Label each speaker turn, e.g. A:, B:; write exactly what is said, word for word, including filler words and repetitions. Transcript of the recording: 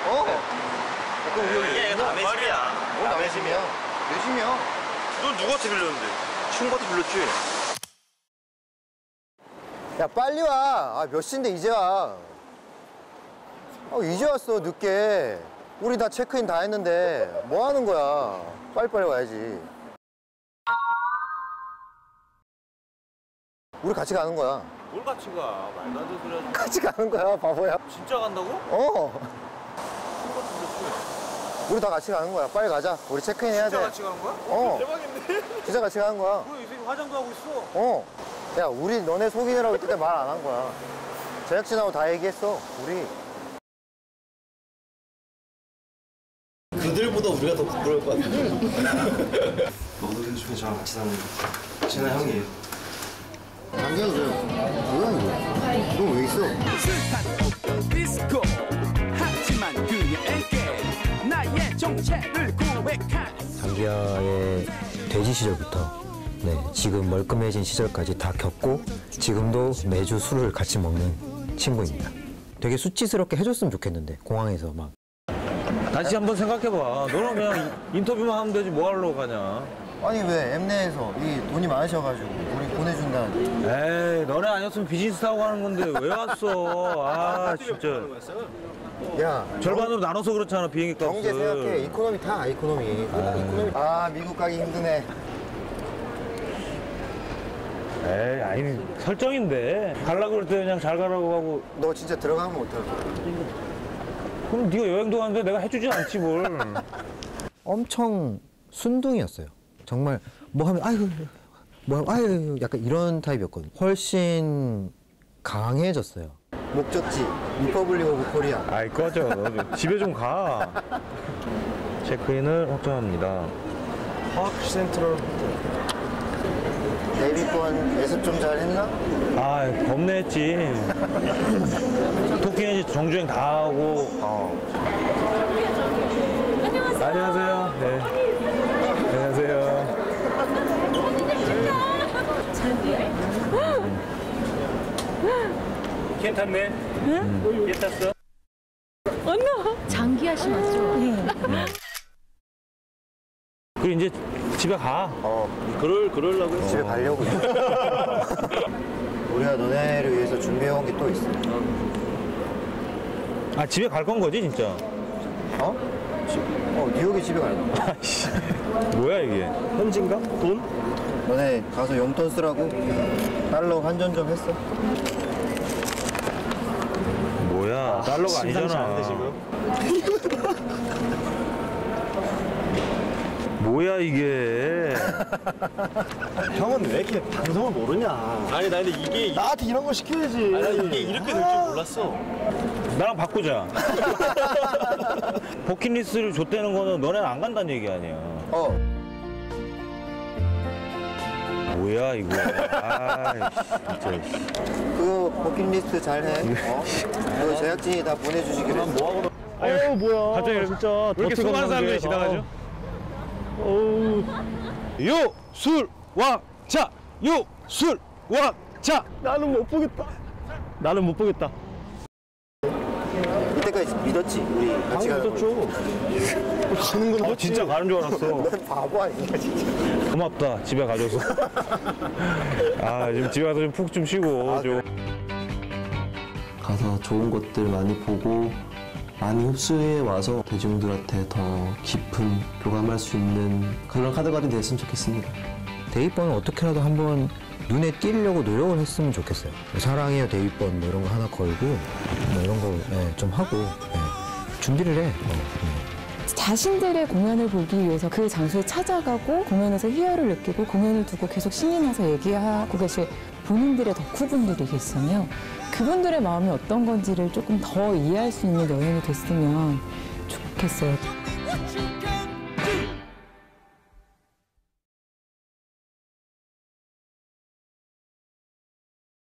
A: 어.
B: 그럼 우리 이게 남의 집이야.
A: 뭐 남의 집이야? 내 집이야.
B: 넌 누구한테 빌렸는데? 친구한테 빌렸지.
A: 야 빨리 와. 아, 몇 시인데 이제 와. 아, 이제 왔어 늦게. 우리 다 체크인 다 했는데 뭐 하는 거야. 빨리빨리 와야지. 우리 같이 가는 거야.
B: 뭘 같이 가? 말도 안 되는 소리 하지.
A: 같이 가는 거야 바보야.
B: 진짜 간다고?
A: 어. 우리 다 같이 가는 거야. 빨리 가자. 우리 체크인 해야 돼.
B: 진짜 같이 가는 거야?
A: 어.
B: 대박인데?
A: 진짜 같이 가는 거야.
B: 뭐야, 이 새끼 화장도 하고 있어.
A: 어. 야, 우리 너네 속이느라고 이때 말 안 한 거야. 제작진하고 다 얘기했어, 우리.
C: 그들보다 우리가 더 부끄러울 것 같은데. 너도 요즘에 저랑 같이 사는 친한 형이에요.
A: 장기야, 그래. 뭐야, 이거? 너 왜 있어?
D: 디스코 하지만 그녀에게 나의 정체를 고백한
E: 장기하의 돼지 시절부터 네, 지금 멀끔해진 시절까지 다 겪고 지금도 매주 술을 같이 먹는 친구입니다. 되게 수치스럽게 해줬으면 좋겠는데 공항에서 막.
F: 다시 한번 생각해봐. 너는 그냥 인터뷰만 하면 되지 뭐 하러 가냐.
A: 아니, 왜 엠내에서 이 돈이 많으셔가지고 우리 보내준다는데.
F: 에이, 너네 아니었으면 비즈니스 타고 가는 건데 왜 왔어. 아, 진짜.
A: 야,
F: 절반으로 나눠서 그렇잖아, 비행기 값을.
A: 경제 생각해. 이코노미 타, 이코노미. 아, 이코노미. 아, 미국 가기 힘드네.
F: 에이, 아니, 설정인데. 갈라 그럴 때 그냥 잘 가라고 하고.
A: 너 진짜 들어가면 어떡할 거야?
F: 그럼 네가 여행도 가는데 내가 해주진 않지, 뭘.
E: 엄청 순둥이였어요. 정말 뭐 하면 아유 뭐 하면 아유 약간 이런 타입이었거든요. 훨씬 강해졌어요.
A: 목적지, 리퍼블릭 오브 코리아.
F: 아이, 꺼져. 집에 좀 가. 체크인을 확정합니다.
C: 파크 센트럴 호텔.
A: 데뷔권 예습 좀 잘 했나?
F: 아, 겁내했지. 토끼는 이제 정주행 다 하고.
A: 어.
F: 안녕하세요. 네. 안녕하세요. 괜찮네. 응? 괜찮어?
G: 언나. 장기하 씨 맞죠? 네.
F: 그리고 이제 집에 가.
A: 어.
F: 그럴, 그러려고 했어.
A: 집에 가려고. 우리가 너네를 위해서 준비해온 게 또 있어.
F: 아, 집에 갈 건 거지, 진짜?
A: 어? 지, 어, 뉴욕에 집에 갈 거야.
F: 아이씨. 뭐야, 이게?
C: 현진가? 돈?
A: 너네 가서 용돈 쓰라고 달러 환전 좀 했어?
F: 뭐야, 달러가
C: 심상치
F: 아니잖아.
C: 않은데, 지금?
F: 뭐야, 이게.
C: 형은 왜 이렇게 방송을 모르냐?
B: 아니, 나 근데 이게.
C: 나한테 이런 거 시켜야지.
B: 아니, 나 이게 이렇게 될 줄 몰랐어.
F: 나랑 바꾸자. 버킷리스트를 줬다는 거는 너네는 안 간다는 얘기 아니야.
A: 어.
F: 뭐야, 이거. 아, 진짜.
A: 그거 버킷리스트 잘 해. 어? 그거 제작진이 다 보내주시기로 했어.
C: 뭐 아유, 뭐야.
F: 갑자기
C: 진짜.
F: 왜 이렇게 수많은 사람들이 지나가죠?
C: 어우.
F: 요, 술, 왕, 차! 요, 술, 왕, 차!
C: 나는 못 보겠다. 나는 못 보겠다.
A: 이때까지 믿었지, 우리 같이 가는 거.
C: 죠 가는 건
F: 아,
C: 맞지.
F: 진짜 가는 줄 알았어.
A: 넌 바보 아니야, 진짜.
F: 고맙다, 집에 가줘서. 아, 지금 집에 가서 좀 푹 좀 쉬고.
A: 아,
F: 좀.
H: 가서 좋은 것들 많이 보고 많이 흡수해 와서 대중들한테 더 깊은 교감할 수 있는 그런 카드가들이 됐으면 좋겠습니다.
E: 데뷔번은 어떻게라도 한번 눈에 띄려고 노력을 했으면 좋겠어요. 사랑해요 데뷔번 뭐 이런 거 하나 걸고 뭐 이런 거 좀 예, 하고 예, 준비를 해. 어, 예.
G: 자신들의 공연을 보기 위해서 그 장소에 찾아가고 공연에서 희열을 느끼고 공연을 두고 계속 신이 나서 얘기하고 계실 본인들의 덕후분들이 계시잖아요. 그분들의 마음이 어떤 건지를 조금 더 이해할 수 있는 여행이 됐으면 좋겠어요.